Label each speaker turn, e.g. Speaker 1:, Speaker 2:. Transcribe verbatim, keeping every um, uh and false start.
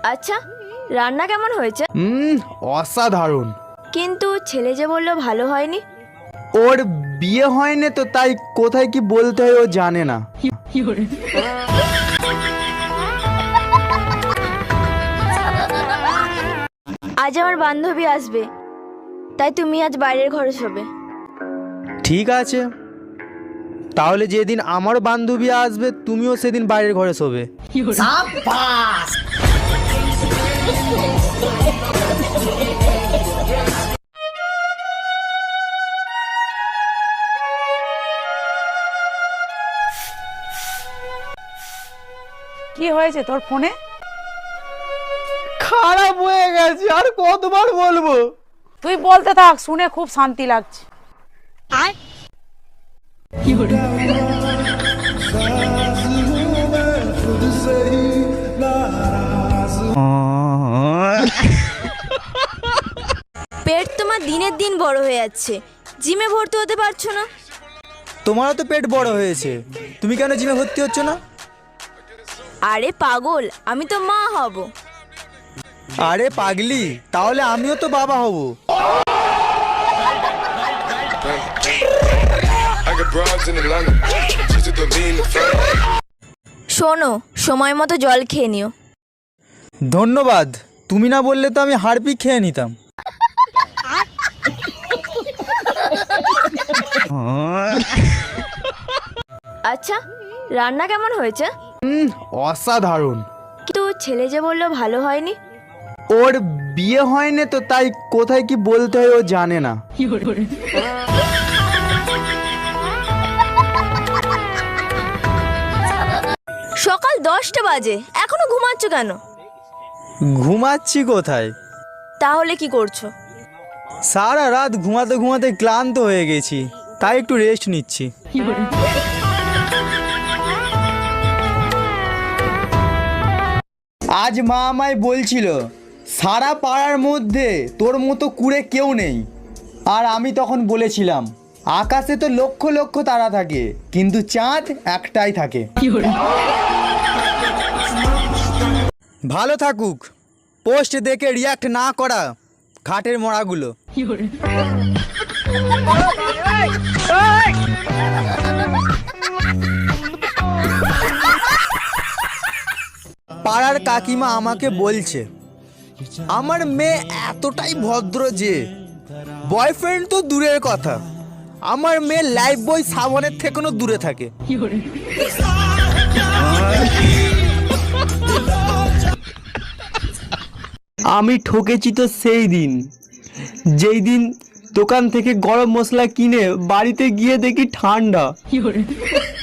Speaker 1: আচ্ছা, রান্না কেমন হয়েছে?
Speaker 2: হুম, অসাধারণ।
Speaker 1: কিন্তু ছেলে যে বললো ভালো হয়নি।
Speaker 2: ওর বিয়ে হয়নি তো, তাই কোথায় কি বলতে হয় ও জানে না।
Speaker 1: আজ আমার বান্ধবী আসবে, তাই তুমি আজ বাইরের ঘরে শোবে।
Speaker 2: ঠিক আছে, তাহলে যেদিন আমার বান্ধবী আসবে তুমিও সেদিন বাইরের ঘরে শোবে।
Speaker 3: কি হয়েছে তোর ফোনে?
Speaker 2: খারাপ হয়ে গেছে, আর কতবার বলবো।
Speaker 3: তুই বলতে থাক, শুনে খুব শান্তি লাগছে।
Speaker 1: পেট তোমার দিনের দিন বড় হয়ে যাচ্ছে, জিমে ভর্তি হতে পারছো না।
Speaker 2: তোমারও তো পেট বড় হয়েছে, তুমি কেন জিমে ভর্তি হচ্ছ না?
Speaker 1: আরে পাগল, আমি তো মা হব।
Speaker 2: আরে পাগলি, তাহলে আমিও তো বাবা হব।
Speaker 1: শোনো, সময় মতো জল খেয়ে নিও।
Speaker 2: ধন্যবাদ, তুমি না বললে তো আমি হাড়পি খেয়ে নিতাম।
Speaker 1: আচ্ছা, রান্না কেমন হয়েছে?
Speaker 2: হুম, অসাধারণ।
Speaker 1: কিন্তু ছেলে যে বললো ভালো হয়নি।
Speaker 2: ওর বিয়ে হয়নি তো, তাই কোথায় কি বলতে হয় ও জানে না।
Speaker 1: সকাল দশটা বাজে, এখনো ঘুমাচ্ছ কেন?
Speaker 2: ঘুমাচ্ছি কোথায়?
Speaker 1: তাহলে কি করছো?
Speaker 2: সারা রাত ঘুমাতে ঘুমাতে ক্লান্ত হয়ে গেছি, তাই একটু রেস্ট নিচ্ছি। আজ মা আমায় বলছিল সারা পাড়ার মধ্যে তোর মতো কুড়ে কেউ নেই। আর আমি তখন বলেছিলাম আকাশে তো লক্ষ লক্ষ তারা থাকে, কিন্তু চাঁদ একটাই থাকে। ভালো থাকুক, পোস্ট দেখে রিয়াক্ট না করা ঘাটের মরাগুলো। পাড়ার কাকিমা আমাকে বলছে আমার মেয়ে এতটাই ভদ্র যে বয়ফ্রেন্ড তো দূরের কথা, আমার মেয়ে লাইফ বয় সাবনের থেকেও দূরে থাকে। আমি ঠকেছি তো সেই দিন, যেই দিন দোকান থেকে গরম মশলা কিনে বাড়িতে গিয়ে দেখি ঠান্ডা।